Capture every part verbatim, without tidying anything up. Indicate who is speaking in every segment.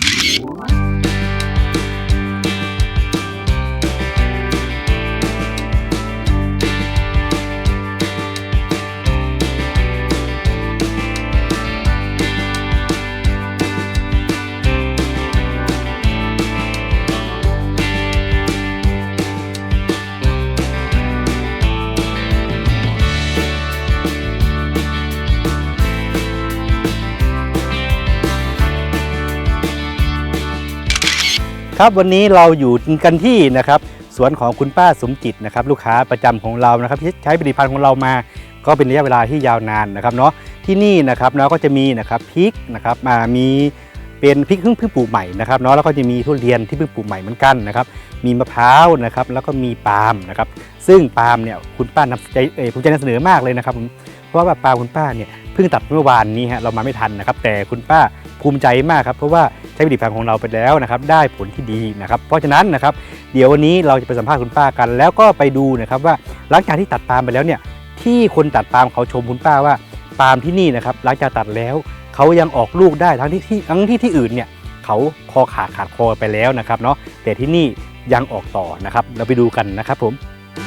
Speaker 1: ครับวันนี้เราอยู่กันที่นะครับสวนของคุณป้าสมจิตนะครับลูกค้าประจำของเรานะครับที่ใช้ผลิตภัณฑ์ของเรามาก็เป็นระยะเวลาที่ยาวนานนะครับเนาะที่นี่นะครับเราก็จะมีนะครับพริกนะครับมามีเป็นพริกเพิ่งเพิ่งปลูกใหม่นะครับเนาะแล้วก็จะมีทุเรียนที่เพิ่งปลูกใหม่เหมือนกันนะครับมีมะพร้าวนะครับแล้วก็มีปาล์มนะครับซึ่งปาล์มเนี่ยคุณป้านำใจเออภูมิใจนำเสนอมากเลยนะครับเพราะว่าปาล์มคุณป้าเนี่ยเพิ่งตัดเมื่อวานนี้ฮะเรามาไม่ทันนะครับแต่คุณป้าภูมิใจมากครับเพราะว่าใช้ผลิตภัณฑ์ของเราไปแล้วนะครับได้ผลที่ดีนะครับเพราะฉะนั้นนะครับเดี๋ยววันนี้เราจะไปสัมภาษณ์คุณป้ากันแล้วก็ไปดูนะครับว่าหลังจากที่ตัดปาล์มไปแล้วเนี่ยที่คนตัดปาล์มเขาชมคุณป้าว่าปาล์มที่นี่นะครับหลังจากตัดแล้วเขายังออกลูกได้ทั้งที่ที่ทั้งที่ที่อื่นเนี่ยเขาคอขาดขาดคอไปแล้วนะครับเนาะแต่ที่นี่ยังออกต่อนะครับเราไปดูกันนะครับผม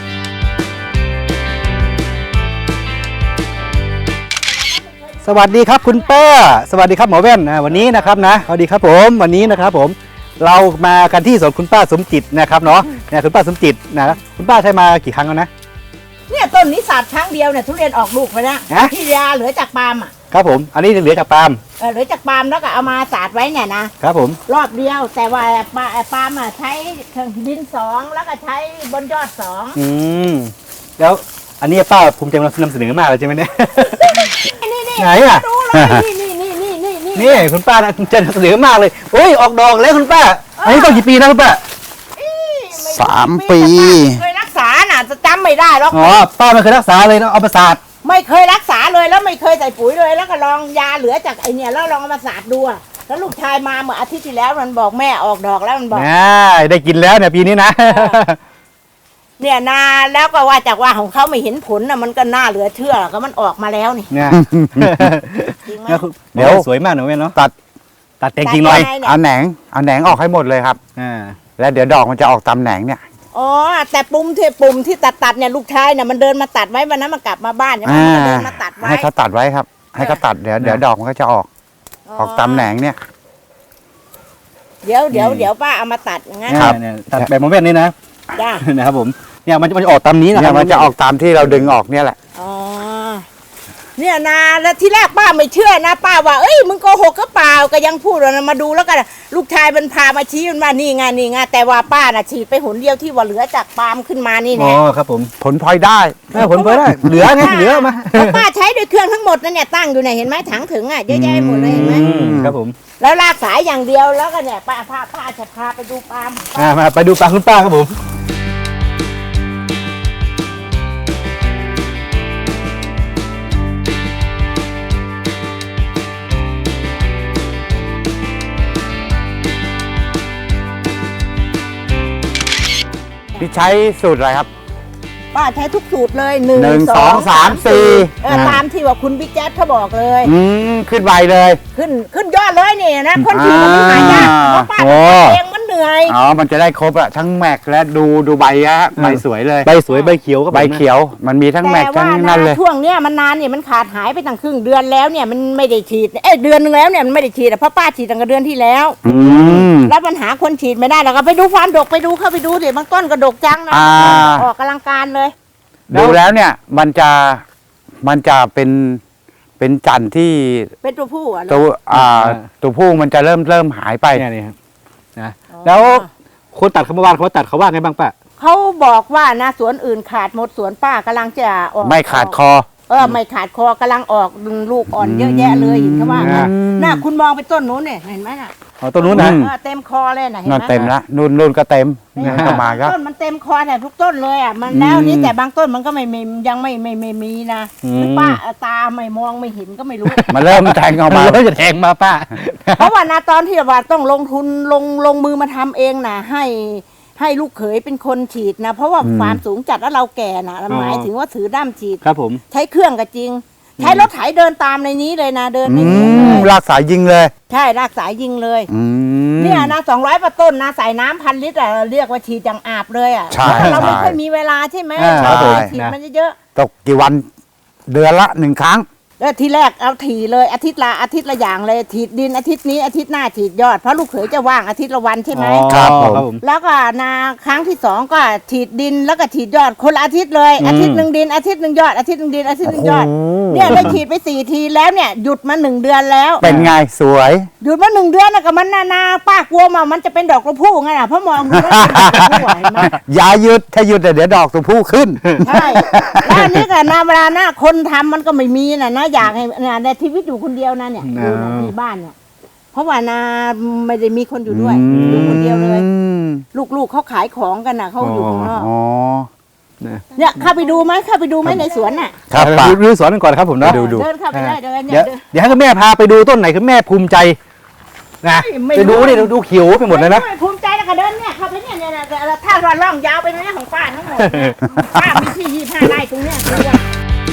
Speaker 1: สวัสดีครับคุณป้าสวัสดีครับหมอแว่นนะวันนี้นะครับนะสวัสดีครับผมวันนี้นะครับผมเรามากันที่สวนคุณป้าสมจิตนะครับเนาะเนี่ยคุณป้าสมจิตนะคุณป้าใช้มากี่ครั้งแล้วนะ
Speaker 2: เนี่ยต้นนี้สาดครั้งเดียวเนี่ยทุเรียนออกลูกไปแล้วที่ยาเหลือจากปาล์มอ่ะ
Speaker 1: ครับผมอันนี้เหลือจากปาล์ม
Speaker 2: เออเหลือจากปาล์มแล้วก็เอามาสาดไว้เนี่ยนะครับ
Speaker 1: ผม
Speaker 2: รอบเดียวแต่ว่าปาปาล์มอ่ะใช้ดินสองแล้วก็ใช้บนยอดสอง
Speaker 1: อืมแล้วอันนี้ป้าภูมิใจนำเสนอมากเลยใช่ไหมเนี่ยไหนอ่ะ
Speaker 2: นี่นี่นี่นี่นี่นี่
Speaker 1: นี่คุณป้าจะนำเสนอมากเลยโอ้ยออกดอกแล้วคุณป้าอันนี้ต้นกี่ปีนะคุณป้า
Speaker 3: สามปี
Speaker 2: เคยรักษาน่ะจะจำไม่ได้หรอก
Speaker 1: อ๋อป้าไม่เคยรักษาเลยนะเอามาสาด
Speaker 2: ไม่เคยรักษาเลยแล้วไม่เคยใส่ปุ๋ยเลยแล้วก็ลองยาเหลือจากไอเนี่ยแล้วลองเอามาสาดดูแล้วลูกชายมาเมื่ออาทิตย์ที่แล้วมันบอกแม่ออกดอกแล้วมันบอก
Speaker 1: ได้กินแล้วเนี่ยปีนี้นะ
Speaker 2: เนี่ยนาแล้วก็ว่าจากว่าของเขาไม่เห็นผลนะมันก็น่าเหลือเชื่อก็มันออกมาแล้วนี่
Speaker 1: เนี่ยจริงไหมเดี๋ยวสวยมากหนูแม่เนาะตัดตัดแต่งจริงหน่อย
Speaker 3: เอาแหนงเอาแหนงออกให้หมดเลยครับอ่าแล้วเดี๋ยวดอกมันจะออกตามแหนงเนี่ย
Speaker 2: อ๋อแต่ปุ่มที่ปุ่มที่ตัดตัดเนี่ยลูกชายเนี่ยมันเดินมาตัดไว้วันนั้นมันกลับมาบ้านเนี่ยมันเดินมาตัดไว้
Speaker 3: ให้เขาตัดไว้ครับให้เขาตัดเดี๋ยวเดี๋ยวดอกมันก็จะออกออกตามแหนงเนี่ย
Speaker 2: เดี๋ยวเดี๋ยวเดี๋ยวป้าเอามาตัดงั้น
Speaker 1: เนี่ยตัดแบบโมเมนต์นี้นะ
Speaker 2: จ้า
Speaker 1: นะครับผมเนี่ยมันจะมันจะออกตามนี้นะครับ
Speaker 3: มันจะออกตามที่เราดึงออกเนี่ยแหละ
Speaker 2: อ๋อเนี่ยนาแล้วที่แรกป้าไม่เชื่อนะป้าว่าเอ้ยมึงโกหกก็เปล่าก็ยังพูดว่ามาดูแล้วกันลูกชายมันพามาชี้มันว่านี่ไงนี่ไงแต่ว่าป้าน่ะฉีดไปหนเดียวที่ว่าเหลือจากปาล์มขึ้นมานี่แน่
Speaker 1: อ๋อครับผม
Speaker 3: ผลพลอยได้
Speaker 1: ผลพลอยได้เหลือไงเหลือมา
Speaker 2: ป้าใช้ด้วยเครื่องทั้งหมดนั่นเนี่ยตั้งอยู่ไหนเห็นไหมถังถึงอ่ะเยอะแยะหมดเลยเห็นไหม
Speaker 1: ครับผม
Speaker 2: แล้วลากสายอย่างเดียวแล้วก็เนี่ยป้าพาป้าจะพาไปดูปาล์ม
Speaker 1: มาไปดูปาล์มคุณป้าครับผม
Speaker 3: พี่ใช้สูตรอะไรครับ
Speaker 2: ป้าใช้ทุกสูตรเลยหนึ่ง
Speaker 3: สองสามสี่
Speaker 2: เออตามที่ว่าคุณบิ๊กแจ๊ดเขาบอกเลย
Speaker 3: อืมขึ้นใบเลย
Speaker 2: ขึ้นขึ้นยอดเลยนี่นะคนที่มันหายากเพราะป้าเองมันเหนื่อย
Speaker 3: อ๋อมันจะได้ครบอะทั้งแม็กและดูดูใบอะใบสวยเลย
Speaker 1: ใบสวยใบเขียวก็
Speaker 3: ใบเขียวมันมีทั้งแม็กทั้งนั่นเลย
Speaker 2: ช่วงเนี้ยมันนานเนี่ยมันขาดหายไปตั้งครึ่งเดือนแล้วเนี่ยมันไม่ได้ฉีดเอ้เดือนนึงแล้วเนี่ยมันไม่ได้ฉีดเพราะป้าฉีดตั้งแต่เดือนที่แล้วแล้วปัญหาคนฉีดไม่ได้เราก็ไปดูความดกไปดูเข้าไปดูสิบางต้นก็ดกจังนะออกกำลังการเลย
Speaker 3: ดูแล้วเนี่ยมันจะมันจะเป็นเป็นจันทร์ที่
Speaker 2: เป็นตัวผู้อ่ะ
Speaker 3: ตัวอ่าตัวผู้มันจะเริ่มเริ่มหายไป
Speaker 1: นี่ครับนะแล้วคนตัดเขาเมื่อวานเขาตัดเขาว่าไงบ้างป้า
Speaker 2: เขาบอกว่านะสวนอื่นขาดหมดสวนป้ากำลังจะออก
Speaker 3: ไม่ขาดคอ
Speaker 2: เออไม่ขาดคอกำลังออกลูกอ่อนเยอะแยะเลยเห็นเขาว่าน่ะคุณมองไปต้นนู้นเนี่ยเห็นไหมน่ะ
Speaker 1: อ๋อต้นนู้นนะ
Speaker 2: เต็มคอเลยนะเห็นไหม
Speaker 3: นั่นเต็มละนู่นนู่นก็เต็มนี่ก็มาครับ
Speaker 2: ต้นมันเต็มคอแต่ทุกต้นเลยอ่ะมันแล้วนี้แต่บางต้นมันก็ไม่ยังไม่ไม่ไม่มีนะป้าตาไม่มองไม่เห็นก็ไม่รู้
Speaker 3: มันเริ่มแทงออกมา
Speaker 1: เริ่มจะแทงมาป้า
Speaker 2: เพราะว่านะตอนที่ว่าต้องลงทุนลงลงมือมาทำเองนะให้ให้ลูกเขยเป็นคนฉีดนะเพราะว่าความสูงจัดแล้วเราแก่นะหมายถึงว่าถือด้ามฉีด
Speaker 1: ครับผม
Speaker 2: ใช้เครื่องก็จริงใช้รถไถเดินตามในนี้เลยนะเดินใน
Speaker 3: อื
Speaker 2: นี้เล
Speaker 3: ม
Speaker 2: ย
Speaker 3: ลากสายยิงเลย
Speaker 2: ใช่รากสายยิงเลย
Speaker 3: อืม
Speaker 2: เนี่ยนะสองร้อยต้นนะใส่น้ำพันลิตรอะเรียกว่าฉีดจังอาบเลยอ่ะ
Speaker 3: ใช่
Speaker 2: เพราะเราไม่
Speaker 3: ใช่
Speaker 2: ค่อยมีเวลาใช่ไหม
Speaker 1: อ่า
Speaker 2: เรา
Speaker 3: ใช่
Speaker 2: ฉีดมันเยอะ
Speaker 3: ตกกี่วันเดือนละหนึ่งครั้ง
Speaker 2: แล้วทีแรกเอาถีเลยอาทิตย์ละอาทิตย์ละอย่างเลยถีดดินอาทิตย์นี้อาทิตย์หน้าถีดยอดเพราะลูกเขยจะว่างอาทิตย์ละวันใช่ไหม
Speaker 1: อ๋อ
Speaker 3: ครับผม
Speaker 1: ครับผม
Speaker 2: แล้วก็นาครั้งที่สองก็ฉีดดินแล้วก็ฉีดยอดคนละอาทิตย์เลย
Speaker 1: อืม
Speaker 2: อาทิตย์หนึ่งดินอาทิตย์หนึ่งยอดอาทิตย์หนึ่งดินอาทิตย์หนึ่งยอด
Speaker 1: โอ้โห
Speaker 2: เนี่ยได้ฉีดไปสี่ทีแล้วเนี่ยหยุดมาหนึ่งเดือนแล้ว
Speaker 3: เป็นไงสวย
Speaker 2: หยุดมาหนึ่งเดือนนะกับมันนานาป้ากลัวมามันจะเป็นดอกกระพู้ไงน่ะเพราะมองดูแล้วเป็นดอกกระพู้อะเห็นไหม
Speaker 3: อย่าหยุดถ้าหยุดเดี๋ยวดอกตัวผู้ขึ้น
Speaker 2: ใช่แล้วอันนี้ก็นาเวลานะคนทำมันก็ไม่มีนะนะอยากให้นะในชีวิตอยู่คนเดียวนะเนี่ยอยู่นะมีบ้านเนี่ยเพราะว่านาไม่ได้มีคนอยู่ด้วยอยู่คนเดียวเลย ลูกๆเขาขายของกันนะเขาอยู่ข้างนอก
Speaker 3: อ๋อ
Speaker 2: เนี่ยเข้าไปดูไหมเข้าไปดูไหมในสวนน่ะ
Speaker 3: ครับ
Speaker 1: เดี๋ยว
Speaker 3: ป้า
Speaker 1: ดูดูสวนกันก่อนครับผมเนาะ
Speaker 3: ดูดู
Speaker 2: เดินเข้าไปได้เดินเนี่
Speaker 1: เดี๋ย
Speaker 2: ยว เดิน
Speaker 1: เดี๋ยวให้คุณแม่พาไปดูต้นไหนคุณแม่ภูมิใจนะ
Speaker 2: ไม่
Speaker 1: ไป
Speaker 2: รู้
Speaker 1: ดูนี่ดูดูเขียวไปหมดเลยนะ
Speaker 2: ไภูมิใจแล้วก็เดินเนี่ยเข้าไปเนี่ยเนี่ยเนี่ยถ้าเราล่องยาวไปเนี่ยของป้าทั้งหมดเนี่ยป้ามีที่ยี่ห้าไร่ตรงเนี้ยตรงเนี้ย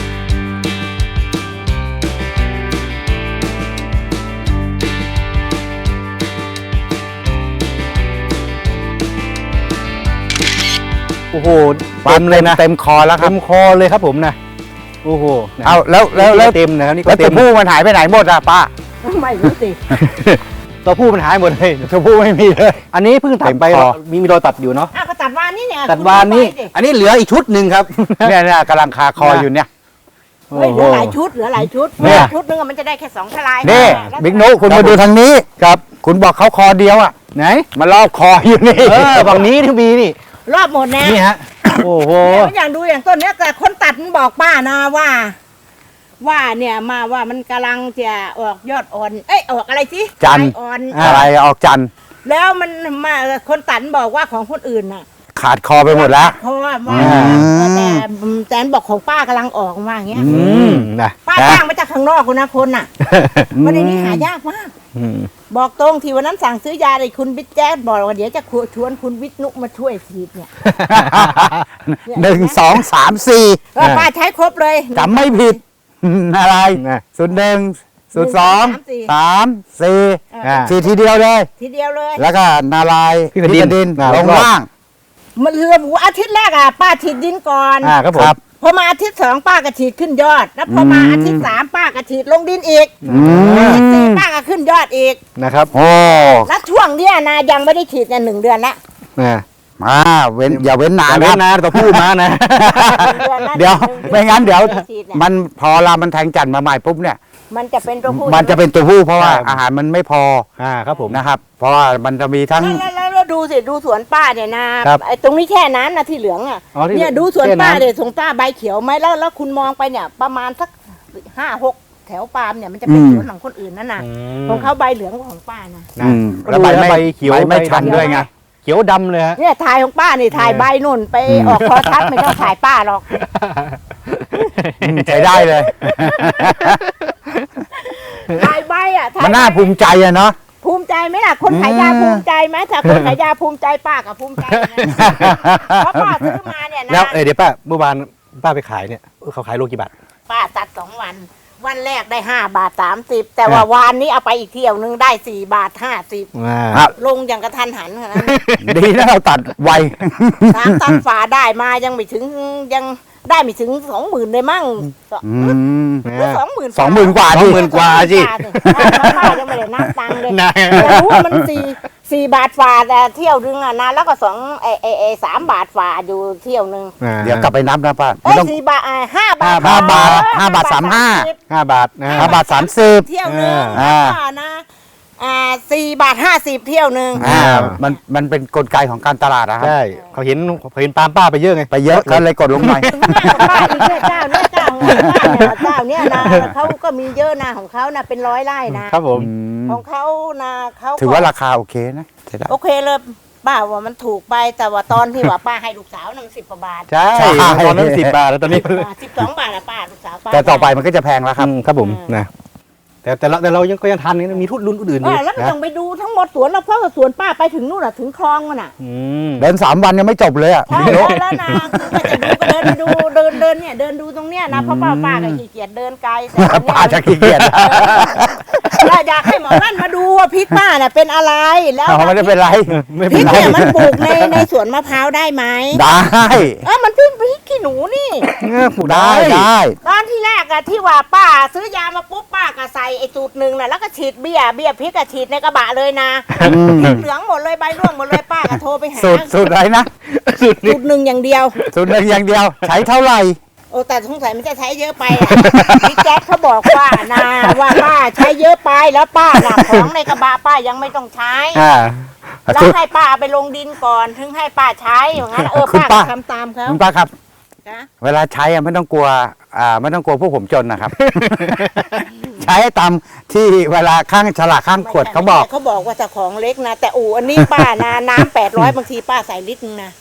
Speaker 1: โอ้โหเต็มเลยนะ
Speaker 3: เต็มคอแล้วครั
Speaker 1: เต็
Speaker 3: บ
Speaker 1: มคอเลยครับผมนะโอ้โหนะ
Speaker 3: เอาแล้วแล้วแล้ว
Speaker 1: เต็มนะครับนี่ก็
Speaker 3: แล้ว
Speaker 1: เต็
Speaker 3: ตัว
Speaker 1: ม
Speaker 3: ผู้มันหายไปไหนหมดอะป้า
Speaker 2: ไม่รู้สิ
Speaker 1: ตัวผู้มันหายหมดเลย
Speaker 3: ตัวผู้ไม่มีเลย
Speaker 1: อันนี้เพิ่งตัดไป
Speaker 3: เต็มคอ
Speaker 1: มีมีรอยตัดอยู่เนาะ
Speaker 2: อ้าวก็ตัดวานนี่เนี่ย
Speaker 1: ตัดวานนี้
Speaker 2: คุณดูไปดิ
Speaker 1: อันนี้เหลืออีกชุดหนึ่งครับ
Speaker 3: เนี่ยเนี่ยกำลังคาคออยู่เนี่ย
Speaker 2: เฮ้ยเหลือหลายชุดเหลือหลายชุด
Speaker 3: เนี่ย
Speaker 2: ชุดนึงอะมันจะได้แค่สองทลาย
Speaker 3: นี่
Speaker 2: แล้ว
Speaker 3: บิ๊กนุคุณมาดูทางนี้ครับ คุณบอกเขาคอเดียวอ่ะ
Speaker 1: ไหน
Speaker 3: มันรอบคออยู่นี่
Speaker 1: เออฝั่งนี้ที่มีนี่
Speaker 2: รอบหมดนะ
Speaker 1: นี่ฮะโอ้โห
Speaker 2: เนี่ยอย่างดูอย่างต้นเนี้ยแต่คนตัดมันบอกป้านะว่า ว่าเนี่ยมาว่ามันกำลังจะออกยอดอ่อน เอ้ยออกอะไรสิ
Speaker 3: จันทร์
Speaker 2: ใบอ่อน
Speaker 3: อะไรออกจันทร์
Speaker 2: แล้วมันมาคนตัดมันบอกว่าของคนอื่นน่ะ
Speaker 3: ขาดคอไปหมดแล้ว
Speaker 2: เพราะว่าว่า
Speaker 3: อืม
Speaker 2: แต่แต่บอกของป้ากำลังออกมาอย่างเงี้ย
Speaker 1: อืมนะ
Speaker 2: ป้าจ้างมาจากข้างนอกคนนะคนน่ะวันนี้หายากมาก
Speaker 1: อืม
Speaker 2: บอกตรงที่วันนั้นสั่งซื้อยาเลยคุณบิ๊กแจ๊ดบอกว่าเดี๋ยวจะชวนคุณวิทนุมาช่วยฉีดเนี่ย
Speaker 3: หนึ่งสองสามสี่
Speaker 2: เออป้าใช้ครบเลย
Speaker 3: จำไม่ผิด อะไร
Speaker 1: นะ
Speaker 3: ศูนย์หนึ่งศูนย์สอง
Speaker 2: หนึ่งสามสี่
Speaker 3: สามสี่
Speaker 1: อ่า
Speaker 3: สี่ทีเดียวเลย
Speaker 2: ทีเดียวเลย
Speaker 3: แล้วก็นาลายณ์
Speaker 1: พิสดิน
Speaker 3: ดิน
Speaker 1: อ่า
Speaker 3: ลง
Speaker 1: รอบ
Speaker 3: ล่าง
Speaker 2: มันเรือบูอาทิตย์แรกอ่ะป้าฉีดดินก่อน
Speaker 1: อ่าครับผม
Speaker 3: ครับ
Speaker 2: พอมาอาทิตย์สองป้าก็ฉีดขึ้นยอด แล้วพอมาอาทิตย์สามป้าก็ฉีดลงดินอีก
Speaker 3: อื
Speaker 2: อาทิตย์สี่
Speaker 3: ม
Speaker 2: ป้าก็ขึ้นยอดอีก
Speaker 1: นะครับ
Speaker 3: โอ้
Speaker 2: แล้วช่วงเนี้ยนะยังไม่ได้ฉีดเนี่ยหนึ่งเดือนละ
Speaker 1: นะ
Speaker 3: มาเว้นอย่าเว้นนาน
Speaker 1: อย่า
Speaker 3: ค
Speaker 1: เว้
Speaker 3: รั
Speaker 1: น
Speaker 3: บ
Speaker 1: นะตัวผู้มานะ
Speaker 3: เดี๋ยวไม่งั้นเดี๋ยว
Speaker 2: ฉีเนี่ย
Speaker 3: มันพอเรามันแทงจันทร์มาใหม่ปุ๊บเนี่ย
Speaker 2: มันจะเป็นตัวผู้
Speaker 3: มันจะเป็นตัวผู้เพราะว่า
Speaker 1: ใช่
Speaker 3: อาหารมันไม่พอ
Speaker 1: อ่าครับผม
Speaker 3: นะครับ เพราะว่ามันจะมีทั้ง
Speaker 2: แล้วแล้วแล้วดูสิดูสวนป้าเนี่ยนะครับ ไอ้ตรงนี้แค่น้ำนะที่เหลืองอ่ะ
Speaker 1: อ๋อที่
Speaker 2: เนี่ยดูสวน
Speaker 1: แค่น้ำ
Speaker 2: ป้าเนี่ยสวนป้าใบเขียวไหมแล้วแล้วคุณมองไปเนี่ย ประมาณสักห้าหกแถวปาล์มเนี่ยมันจะเป็น
Speaker 3: อืม
Speaker 2: สวนของคนอื่นนั่นน่ะ
Speaker 1: อืม
Speaker 2: ของเขาใบเหลืองกว่าของป้านะ
Speaker 1: นะ
Speaker 3: อืม
Speaker 1: ก็
Speaker 3: แล้ว
Speaker 1: ดู
Speaker 3: ใบ
Speaker 1: แล้ว
Speaker 3: ไม่
Speaker 1: ใบเขียว
Speaker 3: ใบไม่
Speaker 1: ใบ
Speaker 3: ชัน
Speaker 1: ดำ
Speaker 3: ด้วยไง
Speaker 1: เขียวดำเลยฮะ
Speaker 2: เนี่ยถ่ายของป้านี่ถ่าย
Speaker 1: เออ
Speaker 2: ใบนุ่นไป
Speaker 3: อืม
Speaker 2: ออกโทรทัศน์ไม่ต้องถ่ายป้าหรอก
Speaker 3: อืมใช้ได้เลย
Speaker 2: ถ่ายใบอ่ะถ่าย
Speaker 3: มันน่า
Speaker 2: ใบ
Speaker 3: ภูมิใจอะเนาะ
Speaker 2: ภูมิใจไหมล่ะคนขายยา
Speaker 3: อืม
Speaker 2: ภูมิใจไหมถ้าคนขายยาภูมิใจป้ากับภูมิใจนะเพราะป้าซื้อมาเนี่ย
Speaker 1: แล้ว
Speaker 2: นะ
Speaker 1: เอ้ยเดี๋ยวป้าเมื่อวานป้าไปขายเนี่ยเขาขายโลกี่บาท
Speaker 2: ป้าตัดสองวัน วันแรกได้ห้าบาทสามสิบแต่ว่าวันนี้เอาไปอีกเที่ยวนึงได้สี่บาทห้าสิบ
Speaker 3: ครับ
Speaker 2: ลงอย่างกระทันหันขนาดนั้น
Speaker 3: ดีนะเราตัดไว
Speaker 2: สามตันฝาได้มายังไม่ถึงยังได้ไม่ถึงสองหมื่นเลยมั่ง
Speaker 3: อืม
Speaker 2: หรือสองหมื่น
Speaker 3: สองหมื่นกว่า
Speaker 1: สองหมื่นกว่าสิ
Speaker 2: ป้ายังไม่ได้นับตังค์เลย
Speaker 1: นะ
Speaker 2: แต่รู้ว่ามันสี่สี่บาทฝาแต่เที่ยวนึงอ่ะนะแล้วก็สองเอเอเอสามบาทฝาอยู่เที่ยวนึง
Speaker 3: เดี๋ยวกลับไปนับนะป้า
Speaker 2: เอ้
Speaker 3: ไม่
Speaker 2: ย
Speaker 3: ต้อง
Speaker 2: สี่บาทอ่าห้าบาท
Speaker 3: ห้าบาท
Speaker 2: เออ
Speaker 3: ห้าบาทสามห้า
Speaker 2: สิบ
Speaker 1: ห้าบาทนะ
Speaker 3: ห้าบาทสามสิบ
Speaker 2: เที่ยวนึง
Speaker 3: อ่า
Speaker 2: แล้วก็นะอ่าสี่บาทห้าสิบเที่ยวนึง
Speaker 3: อ่ามันมันเป็นกลไกของการตลาดนะครับ
Speaker 1: ใช่เขาเห็นเขาเห็นตามป้าไปเยอะไง
Speaker 3: ไปเยอะก็เลยกดลงหน่อย
Speaker 2: ถึงแม่กับป้าอีกเนี่ยเจ้าเนี่ยเจ้าของป้าเนี่ยเจ้าเนี่ยนะเขาก็มีเยอะนะของเขานะเป็นร้อยไร่นะครับ
Speaker 1: ผม
Speaker 2: ของเขานะเขาก็
Speaker 3: ถือว่าราคาโอเคนะใช่ได้
Speaker 2: โอเคเลยป้าว่ามันถูกไปแต่ว่าตอนที่ว่าป้าให้ลูกสาวนั่งสิบกว่าบาท
Speaker 1: ใช่
Speaker 3: ใช่
Speaker 1: ตอนนั้นสิบบาทแล้วตอนนี้
Speaker 2: สิบสองบาทอะป้าลูกสาวป้า
Speaker 3: แต่ต่อไปมันก็จะแพงแล้วครับ
Speaker 1: อืมครับผมนะแต่แต่เราแต่เรายังก็ยังทันนี่มีทุนรุ่นอื่นอ
Speaker 2: เอยู่ อแล้วก็
Speaker 1: นะ
Speaker 2: ต้องไปดูทั้งหมดสวนเราเพราะว่าสวนป้าไปถึงนู่นอะถึงคลองมันอะ
Speaker 1: อืม
Speaker 3: เดินสามวันยังไม่จบเลยอ่ะ
Speaker 2: ใช่แล้วแล้วนะคือจะดูก็เดินไปดูเดินเดินเนี่ยเนี่ยเดินดูตรงเนี้ยนะเพราะป้าป้าก็ขี้เกียจเดินไกลแต่ตรงเนี้ย
Speaker 3: ป้าจะขี้เกียจ
Speaker 2: เราอยากให้หมอนั่นมาดูว่าพริกป้าน่ะเป็นอะไรแล้ว
Speaker 3: เอาไม่ได้เป็นไร
Speaker 1: ไม่
Speaker 2: พ
Speaker 1: เป็
Speaker 2: ริ
Speaker 1: น
Speaker 2: ก
Speaker 1: ไร
Speaker 2: เนี่ยมันปลูกในในสวนมะพร้าวได้ไหม
Speaker 3: ได้
Speaker 2: เออมันเป็นพริกขี้หนูนี่
Speaker 1: เออปลูก
Speaker 3: ได้
Speaker 1: ได้
Speaker 3: ได้
Speaker 2: ตอนที่แรกอะที่ว่าป้าซื้อยามาปุ๊บป้าก็ใส่ไอ้สูตรหนึ่งน่ะแล้วก็ฉีดเบี้ยเบี้ยพริกก็ฉีดในกระบะเลยนะพริกเหลืองหมดเลยใบร่วงหมดเลยป้าก็โทรไปหา
Speaker 3: สูตรสูตรอะไรนะ
Speaker 1: สุด
Speaker 2: สูตรหนึ่งอย่างเดียว
Speaker 3: สูตรหนึ่งอย่างเดียว ใช้เท่าไหร่
Speaker 2: โอ้แต่สงสัยมันจะใช้เยอะไปอะ พี่แจ๊คเขาบอกว่านะว่าป้าใช้เยอะไปแล้วป้าหนักของในกระบะป้ายังไม่ต้องใช้
Speaker 1: อ่า
Speaker 2: แล้วให้ป้าเอาไปลงดินก่อนถึงให้ป้าใช้อย่างนั้นเออ
Speaker 3: คุณ
Speaker 2: ป้า
Speaker 3: ป้า
Speaker 2: ก็ทำตามเขา
Speaker 3: คุณป้าครับ
Speaker 2: นะ
Speaker 3: เวลาใช้อะไม่ต้องกลัวอ่าไม่ต้องกลัวพวกผมจนนะครับ ใช้ตามที่เวลาข้างฉลากข้างขวดเขาบอก
Speaker 2: เขาบอกว่าจะของเล็กนะแต่อู่อันนี้ป้านะน้ำแปดร้อยบางทีป้าใส่ลิตรนึงนะ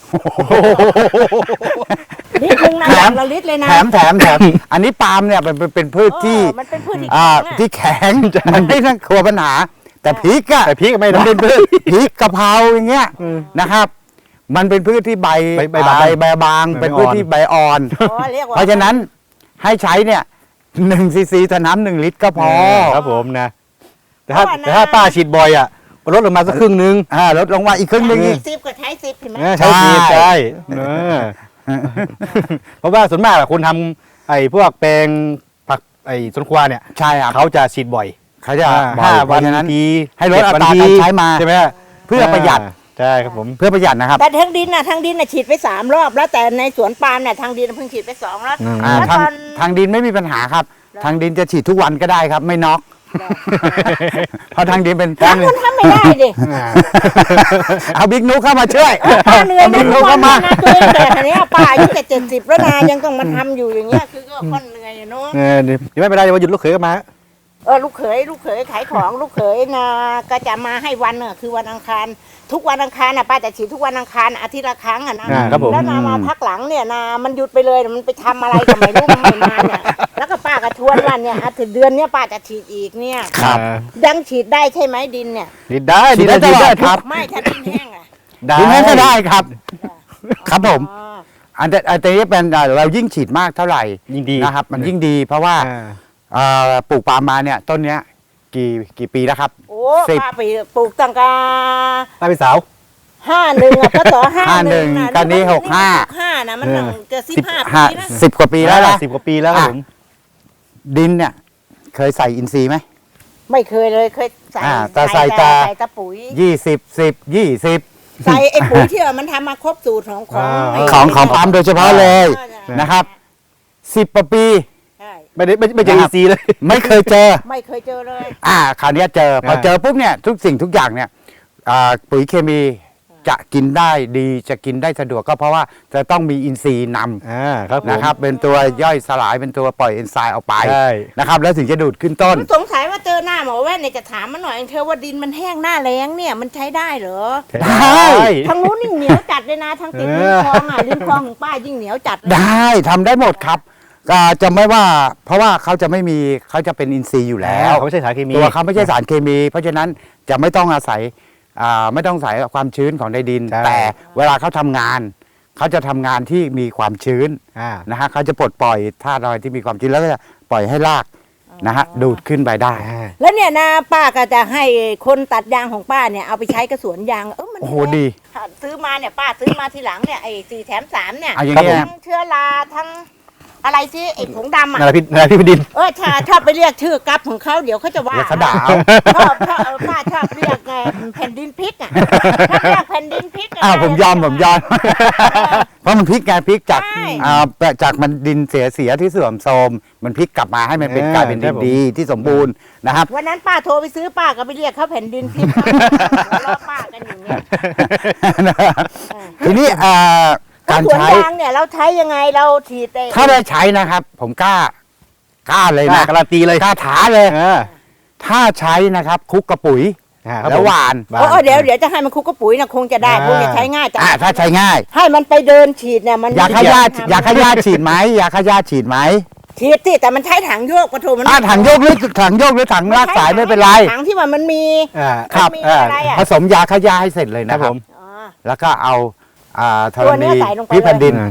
Speaker 2: ลิตรนึงนะ
Speaker 3: แถ
Speaker 2: อ
Speaker 3: ม
Speaker 2: ย่างละลิตรเลยนะ
Speaker 3: แถมแถมแถมอันนี้ปาล์มเนี่ยเป็นเป็นเป็นพืชที่
Speaker 2: เออมันเป็นพืชที่
Speaker 3: อ่า
Speaker 2: แข็งอะ
Speaker 3: ที่แข็งมันไม่ต้องกลัวปัญหา แต่พริกอะ
Speaker 1: แต่พริกไม่ได้
Speaker 3: มันเป็นพืชพริกกะเพราอย่างเงี้ยนะครับ มันเป็นพืชที่ใบ
Speaker 1: ใบใบ
Speaker 3: อ่า
Speaker 1: บาง
Speaker 3: ใบใบบาง
Speaker 1: ใบ
Speaker 3: เป็น
Speaker 1: อ่อน
Speaker 3: พืชที่ใบอ่อน
Speaker 2: อ๋อเรียกว่า
Speaker 3: เพราะฉะนั้นให้ใช้เนี่ยหนึ่งซีซีต่อน้ำหนึ่งลิตรก็พอ
Speaker 1: ครับผมนะ แต่ถ้า
Speaker 2: เพราะว่านะ
Speaker 1: แต่ถ้าป้าฉีดบ่อยอ่ะลดลงมาสักครึ่งนึง
Speaker 3: อ่าลดลงมาอีกครึ่งหนึงอีก
Speaker 2: สิบก็ใช้สิบเห็นไหม
Speaker 1: เออใช้ฉีด
Speaker 3: ใช่
Speaker 1: ใช่เออเพราะว่าส่วนมากอะคนทำไอ้พวกแปลงผักไอ้สวนครัวเนี่ย
Speaker 3: ใช่ครับ
Speaker 1: เขาจะฉีดบ่อย
Speaker 3: เขาจะ
Speaker 1: อ่า
Speaker 3: บ่อย
Speaker 1: ห้า
Speaker 3: เพ
Speaker 1: วัน
Speaker 3: ราะฉะนั้น
Speaker 1: ที
Speaker 3: ให้ลด
Speaker 1: เจ็
Speaker 3: อั
Speaker 1: วัน
Speaker 3: ตรา
Speaker 1: ที
Speaker 3: การใช้มา
Speaker 1: ใช่ไหม
Speaker 3: เพื่อประหยัด
Speaker 1: ใช่ครับผม
Speaker 3: เพื่อประหยัดนะครับ
Speaker 2: แต่ทั้งดินน่ะทั้งดินน่ะฉีดไปสามรอบแล้วแต่ในสวนปาล์มเนี่ยทางดินเพิ่งฉีดไปสองแล้ว
Speaker 1: อืม
Speaker 3: อ่า
Speaker 2: แล้ว
Speaker 3: ทาง
Speaker 2: ตอน
Speaker 3: ทางดินไม่มีปัญหาครับ ทางดินจะฉีดทุกวันก็ได้ครับ ไม่น็อกเพราะทางดินเป็น
Speaker 2: ทางคนทำไม่ได้ดิ
Speaker 3: เอาบิ๊กนุ๊กเข้ามาช่วย
Speaker 2: ป้าเหนื่อย
Speaker 3: เอา
Speaker 2: นะ
Speaker 3: บิ๊ก
Speaker 2: ทุ
Speaker 3: นุ๊
Speaker 2: ก
Speaker 3: ก
Speaker 2: วั
Speaker 3: เข้าน มา
Speaker 2: นะตัวเองแต่ทีนี้ยป้าอายุแต่เจ็ดสิบแล้วนะยังต้องมาทำอยู่อย่างเงี้ยคือก็ค่อนเหนื่อยอะเนาะ
Speaker 1: เออเดี๋ยวไม่เป็นไรเดี๋ยววันหยุดลูกเขยก็มา
Speaker 2: เออลูกเขยลูกเขยขายของลูกเขยนะก็จะมาให้วันน่ะคือวันอังคารทุกวันอังคารน่ะป้าจะฉีดทุกวันอังคารอาทิตย์ละครั้งอ่ะนะ
Speaker 1: อ่าครับผม
Speaker 2: แล้วนามาพักหลังเนี่ยนามันหยุดไปเลยมันไปทำอะไรก็ไม่รู้มันไม่มาเนี่ยแล้วก็ป้าก็ชวนวันเนี่ยอาทิตย์เดือนเนี้ยป้าจะฉีดอีกเนี่ย
Speaker 3: ครับ
Speaker 2: ยังฉีดได้ใช่ไหมดินเนี่ย
Speaker 1: ฉีดได้
Speaker 3: ฉีดได้ตลอดครับ
Speaker 2: ไม่ถ้าดินแห้งอ่ะ
Speaker 1: ได้
Speaker 3: ดินนั้นก็ได้ครับ ครับผม
Speaker 2: อ๋อ
Speaker 3: อันแต่อันนี้เป็นอ่าเรายิ่งฉีดมากเท่าไหร่
Speaker 1: ยิ่งดี
Speaker 3: นะครับ มันยิ่งดี เพราะว่า
Speaker 1: อ่า
Speaker 3: เอ่อปลูกปาล์มมาเนี่ยต้นเนี้ยกี่กี่ปีแล้วครับ
Speaker 2: โอ้
Speaker 3: สิบ
Speaker 2: ป้าไปปลูกตั้งแต่
Speaker 1: ป้าเป็นสาว
Speaker 2: ห้าหนึ่งอ่ะก็ต่อห้า
Speaker 3: ห้า
Speaker 2: ห
Speaker 3: หนึ่
Speaker 2: นึ่ง
Speaker 3: ง
Speaker 2: นะ
Speaker 3: ตอนนี้หกห้า
Speaker 2: ห้านะมันตั้งจะสิบห้า
Speaker 3: ห้า
Speaker 2: ปีนะ
Speaker 3: สิบกว่าปีแล้วนะ
Speaker 1: สิบกว่าปีแล้วครับผม
Speaker 3: ดินเนี่ย เคยใส่อินทรีย์ไหม
Speaker 2: ไม่เคยเลยเคยใส่
Speaker 3: อ่าแต่ใส่
Speaker 2: แต่
Speaker 3: แต่
Speaker 2: ใส่แตะปุ๋ย
Speaker 3: ยี่สิบสิบยี่สิบ
Speaker 2: ใส่ไอ้ปุ๋ยที่ว่ามันทำมาครบสูตรของของ
Speaker 1: อ่า
Speaker 2: ไอ้
Speaker 3: ของของปาล์มโดยเฉพาะเลย
Speaker 2: ใช่
Speaker 3: นะครับสิบกว่าปี
Speaker 2: ใช่
Speaker 1: ไม่ได้ไม่ไม่เจอ
Speaker 3: นะค
Speaker 1: อี
Speaker 3: รับ
Speaker 1: ซีเลย
Speaker 3: ไม่เคยเจอ
Speaker 2: ไม่เคยเจอเลย
Speaker 3: อ่าคราวเนี้ยเจอ พอ
Speaker 1: อ่า
Speaker 3: เจอปุ๊บเนี่ยทุกสิ่งทุกอย่างเนี่ยอ่าปุ๋ยเคมีจะกินได้ดีจะกินได้สะดวกก็เพราะว่าจะต้องมีอินทรีย์น
Speaker 1: อ่าครับผม
Speaker 3: ำนะครับ เป็นตัวย่อยสลายเป็นตัวปล่อยเอนไซม์ออกไป
Speaker 1: ใช่
Speaker 3: นะครับ แล้วถึงจะดูดขึ้นต้น
Speaker 2: สงสัยว่าเจอหน้าหมอแว่นเนี่ยจะถามมันหน่อยเธอว่าดินมันแห้งหน้าแล้งเนี่ยมันใช้ได้เหรอ
Speaker 3: ได้
Speaker 2: ทางนู้นนี่เหนียวจัดเลยนะทางติดริมคลองอ่ะริมคลองของป้ายิ่งเหนียวจัดเลย
Speaker 3: ได้ทำได้หมดครับก็จะไม่ว่าเพราะว่าเขาจะไม่มีเขาจะเป็นอินทรีย์อยู่แล้ว
Speaker 1: เขาไม่ใช่สารเคมี
Speaker 3: ตัวเขาไม่ใช่สารเคมี เพราะฉะนั้นจะไม่ต้องอาศัยอ่าไม่ต้องอาศัยความชื้นของในดิน
Speaker 1: ใช่
Speaker 3: แต่เวลาเขาทำงาน เขาจะทำงานที่มีความชื้น
Speaker 1: อ่า
Speaker 3: นะฮะเขาจะปลดปล่อยธาตุอะไรที่มีความชื้นแล้วก็จะปล่อยให้รากนะฮะดูดขึ้นไปได้
Speaker 2: แล้วเนี่ยนะป้าก็จะให้คนตัดยางของป้าเนี่ยเอาไปใช้กระสวนยางเออมัน
Speaker 3: โอ้โหดี
Speaker 2: ซื้อมาเนี่ยป้าซื้อมาทีหลังเนี่ยไอ้สี่แถมสามเนี่ย
Speaker 3: เอาอย่าง
Speaker 1: ครับ
Speaker 3: นี้
Speaker 1: ผม
Speaker 3: นะ
Speaker 2: ทั้งเชื้อราทั้งอะไรสิไอ้ผงดำอ่ะ
Speaker 1: นาราพิษนาราพิษดิน
Speaker 2: เออชาชอบไปเรียกชื่อกับของเขาเดี๋ยวเขาจะว่า
Speaker 3: เดี๋ยวเขาด่าเอา
Speaker 2: ชอบชอบเออป้าชอบเรียกไงแผ่นดินพริกอ่ะชอบเรียกแผ่นดินพริกะ
Speaker 3: อ้าวผมยอมผมยอม เพราะมันพลิกไงพลิกจาก
Speaker 2: ใช่
Speaker 3: อ่าจากมันดินเสียเสียที่เสื่อมโทรมมันพลิกกลับมาให้มันเป็น
Speaker 1: เออก
Speaker 3: ลายเป็นดิ
Speaker 1: ครั
Speaker 3: น
Speaker 1: บผม
Speaker 3: ดีที่สมบูรณ์นะครับ
Speaker 2: วันนั้นป้าโทรไปซื้อป้าก็ไปเรียกเขาแผ่นดินพริกรอป้ากันอยู่เนี่ย
Speaker 3: ทีนี้อ่าการ
Speaker 2: สวน
Speaker 3: ใช้
Speaker 2: ยางเนี่ยเราใช้ยังไงเราฉีดไอ้
Speaker 3: ถ้าได้ใช้นะครับ ผมกล้ากล้าเลย
Speaker 1: กล้า
Speaker 3: นะ
Speaker 1: การันตีเลย
Speaker 3: กล้าถาเลย
Speaker 1: อ่า
Speaker 3: ถ้าใช้นะครับคลุกกระปุ๋ย
Speaker 1: อ่าครับ
Speaker 3: แล้ว
Speaker 1: ผม
Speaker 3: หวาน
Speaker 2: เออเดี๋ยวเดี๋ยวจะให้มันคลุกกระปุ๋ยนะคงจะได้
Speaker 1: อ่า
Speaker 2: คงจะใช้ง่ายแต่
Speaker 3: อ่าถ้าใช้ง่าย
Speaker 2: ให้มันไปเดินฉีดเนี่ยมัน
Speaker 3: ยาฆ่าหญ้า
Speaker 2: ทำ
Speaker 3: ยาฆ่าหญ้าฉีดไหมยาฆ่าหญ้าฉีดไหม
Speaker 2: ฉีดสิแต่มันใช้ถังโยกปะโถมัน
Speaker 3: อ่าถังโยกหรือถังโยกหรือถังลากสายไม่เป็นไร
Speaker 2: ถังที่ว่ามันมี
Speaker 1: อ่า
Speaker 3: ครับ
Speaker 2: มี
Speaker 3: อ่า
Speaker 2: อะไรอ่ะ
Speaker 3: ผสมยาฆ่าหญ้าให้เสร็จเลย
Speaker 1: ครั
Speaker 3: นะ
Speaker 1: บ
Speaker 3: ค
Speaker 1: ผ
Speaker 3: รับ
Speaker 1: ม
Speaker 2: อ๋อ
Speaker 3: แล้วก็เอาอ่าธ
Speaker 2: ตั
Speaker 3: ร
Speaker 2: วเนี้
Speaker 3: ณี
Speaker 2: ยใส่ลงไป
Speaker 3: พิแผ่นดิน
Speaker 1: เลย